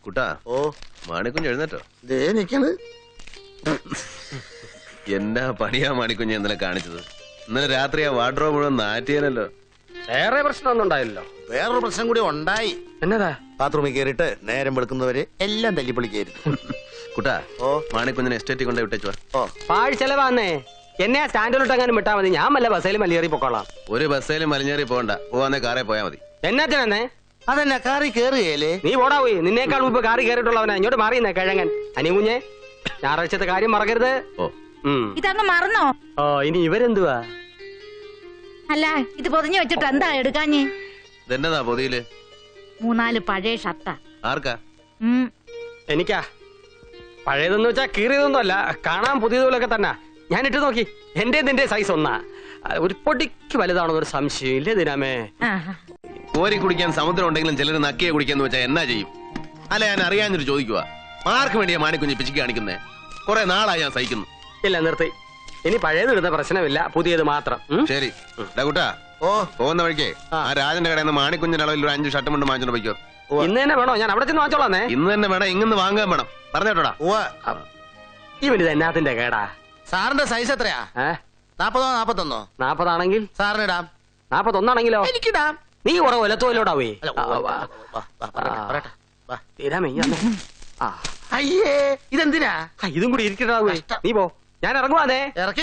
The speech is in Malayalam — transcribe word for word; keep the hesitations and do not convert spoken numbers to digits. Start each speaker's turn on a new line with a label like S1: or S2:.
S1: കുട്ടാ
S2: ഓ
S1: മാണിക്കുഞ്ഞ് എഴുന്നേറ്റോ?
S2: ദേ നിക്കണ്.
S1: എന്നാ പണിയാ മാണിക്കുഞ്ഞ് ഇന്നലെ കാണിച്ചത്? ഇന്നലെ രാത്രി ആ വാർഡ്രോബ് മുഴുവൻ നാറ്റിയാലല്ലോ.
S3: വേറെ പ്രശ്നമൊന്നും ഉണ്ടായില്ലല്ലോ.
S2: വേറൊരു പ്രശ്നം കൂടി ഉണ്ടായി.
S3: എന്നതാ?
S2: ബാത്റൂമിൽ കയറിയിട്ട് നേരം വെളുക്കുന്നവരെ എല്ലാം തല്ലിപ്പൊളിക്കായിരുന്നു.
S1: കുട്ടാ
S2: ഓ
S1: മാണിക്കുഞ്ഞിനെ എസ്റ്റേറ്റിൽ കൊണ്ടേ വിട്ടേച്ചു വാ.
S2: ഓ
S3: പാഴ് ചെലവാന്നേ. എന്നെ ആ സ്റ്റാൻഡിലോട്ട് എങ്ങാനും വിട്ടാ മതി. ഞാൻ വല്ല ബസ്സേലും മലയേറി പൊക്കോളാം.
S1: ഒരു ബസ്സേലും മലിഞ്ഞേറി പോകണ്ട, പോവാന്നേ കാറേ പോയാ മതി.
S3: എന്നാത്തിനെ?
S2: അതെന്നാ കാറി കേറുകയല്ലേ?
S3: നീ പോടാ പോയി. നിന്നേക്കാൾ മുമ്പ് കാറി കയറിയിട്ടുള്ളവനാ. ഇങ്ങോട്ട് മാറിയുന്നേ കിഴങ്ങൻ. അനികുഞ്ഞെ, ഞായറാഴ്ചത്തെ കാര്യം മറക്കരുത്.
S1: ഓ
S4: ഇതങ്ങ് മറന്നോ?
S3: ഓ ഇനി ഇവരെന്തുവാ?
S4: അല്ല ഇത് പൊതിഞ്ഞു വെച്ചിട്ട് എന്താ എടുക്കാഞ്ഞ്?
S1: ഇതെന്നതാ പൊതിയില്?
S4: മൂന്നാല് പഴയ ഷർട്ടാ.
S1: ആർക്കാ?
S3: എനിക്കാ. പഴയതെന്ന് വെച്ചാ കീറിയതൊന്നും അല്ല, കാണാൻ പുതിയതുപോലൊക്കെ തന്നെ. ഞാൻ ഇട്ട് നോക്കി. എന്റെ നിന്റെ സൈസ് ഒന്നാ. ഒരു പൊടിക്ക് വലുതാണോ ഒരു സംശയം ഇല്ലേ ദിനാമേ?
S1: കോരി കുടിക്കാൻ സമുദ്രം ഉണ്ടെങ്കിലും ചിലർ നക്കിയെ കുടിക്കാന്ന് വെച്ചാൽ എന്നാ ചെയ്യും? അല്ല, ഞാൻ അറിയാഞ്ഞിട്ട് ചോദിക്കുക. ആർക്ക് വേണ്ടിയാ മാണിക്കുഞ്ഞ് പിച്ചിക്ക് കാണിക്കുന്നേ? കുറെ നാളായി ഞാൻ സഹിക്കുന്നു.
S3: ഇല്ല, നിർത്തി. ഇനി പഴയത് ഇടുന്ന പ്രശ്നമില്ല, പുതിയത് മാത്രം.
S1: ശരി കുട്ടാ.
S2: ഓ
S1: പോകുന്ന വഴിക്കേ ആ രാജന്റെ കടയിൽ നിന്ന് മാണിക്കുഞ്ഞിന്റെ അളവിൽ ഒരു അഞ്ച് ഷർട്ട് കൊണ്ട് വാങ്ങിച്ചോണ്ട് പോയിക്കോ.
S3: ഇന്ന് തന്നെ വേണോ? ഞാൻ അവിടെ ചെന്ന് വാങ്ങിച്ചോളാന്നേ.
S1: ഇന്ന് തന്നെ വേണം, ഇങ്ങനെ വാങ്ങാൻ വേണം. പറഞ്ഞോട്ടാ.
S3: ഇവനിത് എന്നാത്തിന്റെ കേടാ?
S2: സാറിന്റെ സൈസ് എത്രയാ? നാപ്പതോ നാപ്പത്തൊന്നോ?
S3: നാപ്പതാണെങ്കിൽ
S2: സാറിനിടാം.
S3: നാപ്പത്തൊന്നാണെങ്കിലോ?
S2: എനിക്കിടാം.
S3: നീ കുറെ ഒലത്തോലോടാവേ.
S2: അയ്യേ ഇതെന്തിനാ?
S3: ഇതും കൂടി ഇരിക്കട്ടാവേ. നീ പോ, ഞാൻ ഇറങ്ങുവാന്നേ.
S2: ഇറക്കി